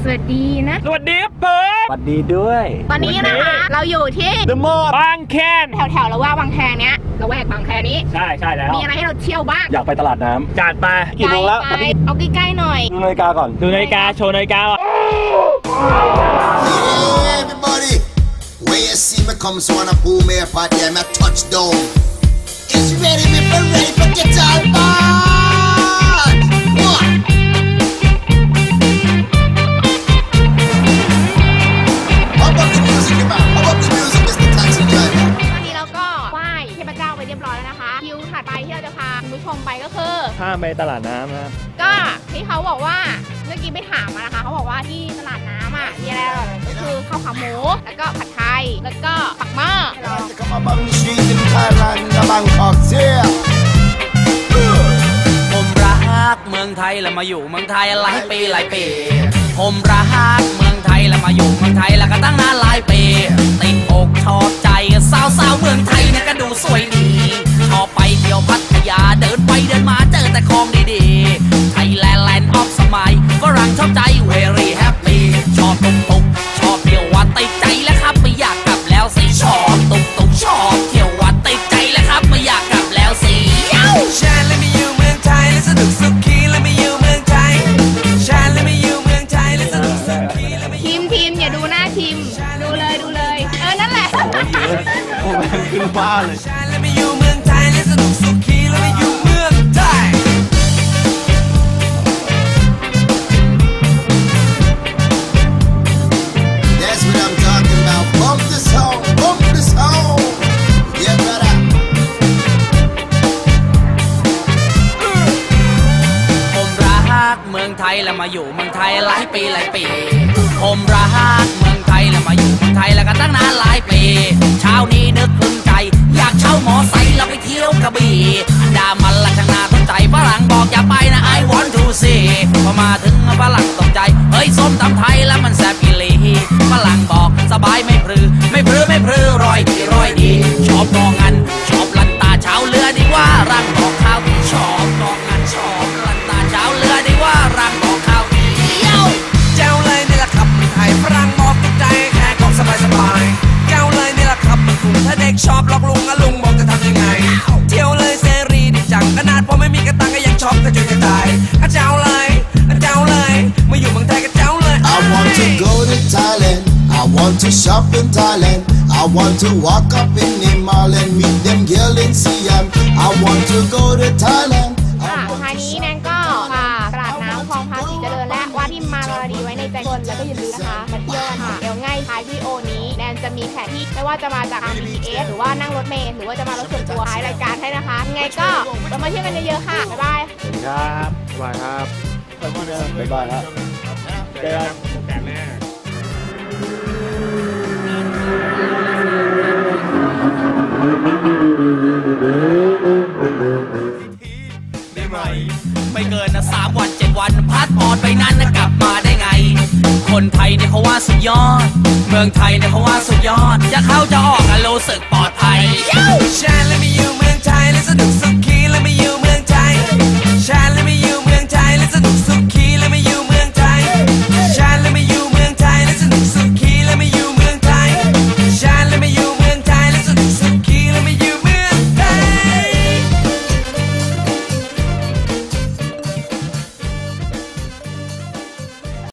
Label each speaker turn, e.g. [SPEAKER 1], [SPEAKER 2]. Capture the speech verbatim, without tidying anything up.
[SPEAKER 1] สวัสดีนะ
[SPEAKER 2] สวัสดีครับเพิร์ด
[SPEAKER 3] สวัสดีด้วย
[SPEAKER 1] ตอนนี้นะคะเราอยู่ที่
[SPEAKER 2] เดอะมอลล์บางแค
[SPEAKER 1] แถวๆแล้วว่าบางแคเนี้ยเราแวกบางแคนี้
[SPEAKER 2] ใช่ใช่แล้ว
[SPEAKER 1] มีอะไรให้เราเที่ยวบ้าง
[SPEAKER 3] อยากไปตลาดน้ำ
[SPEAKER 2] จัดไป
[SPEAKER 3] กี่โมงแล้ว
[SPEAKER 1] เอาใกล้ๆหน่อย
[SPEAKER 3] ดูนาฬิกาก่อน
[SPEAKER 2] ดูนาฬิกาโชว์นาฬิกาก่อน
[SPEAKER 4] Everybody when you see me come so wanna pull me apart yeah me touchdown it's ready me for ready for get all bad what how about the music man how about the music Mister Taxi Driver
[SPEAKER 1] ตอนนี้เราก็ไหว้เทพเจ้าไปเรียบร้อยแล้วนะคะคิวถัดไปที่เราจะพาคุณผู้ชมไปก็คือ
[SPEAKER 2] ข้ามไปตลาดน้ำนะ
[SPEAKER 1] ก็ที่เขาบอกว่าเมื่อกี้ไปถามมานะคะเขาบอกว่าที่ตลาดน้ำอ่ะมีอะไรอร่อยก็คือข้าวขาหมูแล้วก็ผัดไทยแล้วก็ปักหม้อ
[SPEAKER 5] ผมรักเมืองไทยแล้วมาอยู่เมืองไทยหลายปีหลายปีผมรักเมืองไทยแล้วมาอยู่เมืองไทยแล้วก็ตั้งนานหลายปีติดอกชอบใจสาวสาวเมืองไทยเนี่ยก็ดูสวยดีชอบไปเที่ยวพัทยาเดินไปเดินมาเจอแต่ของดีๆไทยแลนด์แลนด์ออฟสมัยฝรั่งชอบใจ very happy ชอบตุกตุกชอบเที่ยววัดติดใจแล้วครับไม่อยากกลับแล้วสิชอบตุกตุกชอบเที่ยววัดติดใจแล้วครับไม่อยากกลับแล้วสิชาและไม่อยู่เมืองไทยและสนุกสุขีและไม่อยู่เมืองไทยชาและไม่อยู่เมืองไทยและสนุกสุขีและไม่ทีม
[SPEAKER 1] ทีมอย่าดูหน้าทีมดูเลยดูเลยเออนั่นแหละ
[SPEAKER 3] โอ้แม่งขึ้นบ้าเลย
[SPEAKER 5] ชาและไม่อยู่เมืองไทยและสนุกสุขีและไม่อยู่เมืองไทย
[SPEAKER 4] That's what I'm talking about bump this home bump this home yeah brother
[SPEAKER 5] ผมรักเมืองไทยแล้วมาอยู่เมืองไทยหลายปีหลายปีผมรักเมืองไทยแล้วมาอยู่เมืองไทยแล้วก็ตั้งนานหลายปีเช้านี้นึกพึงใจอยากเช่าหมอไซค์แล้วไปเที่ยวกระบี่ดามันละช่างน่าสนใจฝรั่งบอกอย่าไปนะ I want to see พอมาถึงฝรั่งตกใจเฮ้ยส้มตำไทยแล้วมันแซ่บอีหลีฝรั่งบอกสบายไม่พรือไม่พรือไม่พรือรอยดีรอยดีชอบมองงันชอบลันตาเช้าเรือดีว่ารังบอกข้าวที่ชอบมองงันชอบลันตาเช้าเรือดีว่ารังบอกข้าวที่เย้าเจ้าเลยนี่แหละครับไทยฝรั่งบอกตกใจแค่ของสบายสบายเจ้าเลยนี่แหละครับมันกลุ่มถ้าเด็กชอบหลอกลุงอะลุงบอกจะทำยังไงเที่ยวเลยเสรีดิจังขนาดพอไม่มีกระตังก็ยังชอบกระจุยกระจายอะเจ้าเลยอะเจ้าเลยมาอยู่เมืองไทยก็เจ้าเลย
[SPEAKER 4] I want to go to Thailand I want to shop in Thailand I want to walk up in the mall and meet them girl in Siam I want to go to Thailand
[SPEAKER 1] ค่ะสุดท้ายนี้แนนก็พาตลาดน้ำคลองภาษีเจริญและว่าที่มารอดีไว้ในใจคนแล้วก็อย่าลืมนะคะมาเที่ยวกันค่ะเดี๋ยวง่ายท้ายวิดีโอนี้แนนจะมีแผนที่ไม่ว่าจะมาจาก บี ที เอส หรือว่านั่งรถเมล์หรือว่าจะมารถส่วนตัวท้ายรายการให้นะคะยังไงก็เรามาเที่ยวกันเยอะๆค่ะบ๊ายบาย
[SPEAKER 3] ครับบ๊ายบายครับบ๊ายบายครับเจอกันแต่แม่
[SPEAKER 5] ไม่เกินนะสามวันเจ็ดวันพาสปอร์ตไปนั้นนะกลับมาได้ไงคนไทยเนี่ยเขาว่าสุดยอดเมืองไทยเนี่ยเขาว่าสุดยอดจะเข้าจะออกอะรู้สึกปลอดภัยชาและไม่อยู่เมืองไทยและสนุกสุข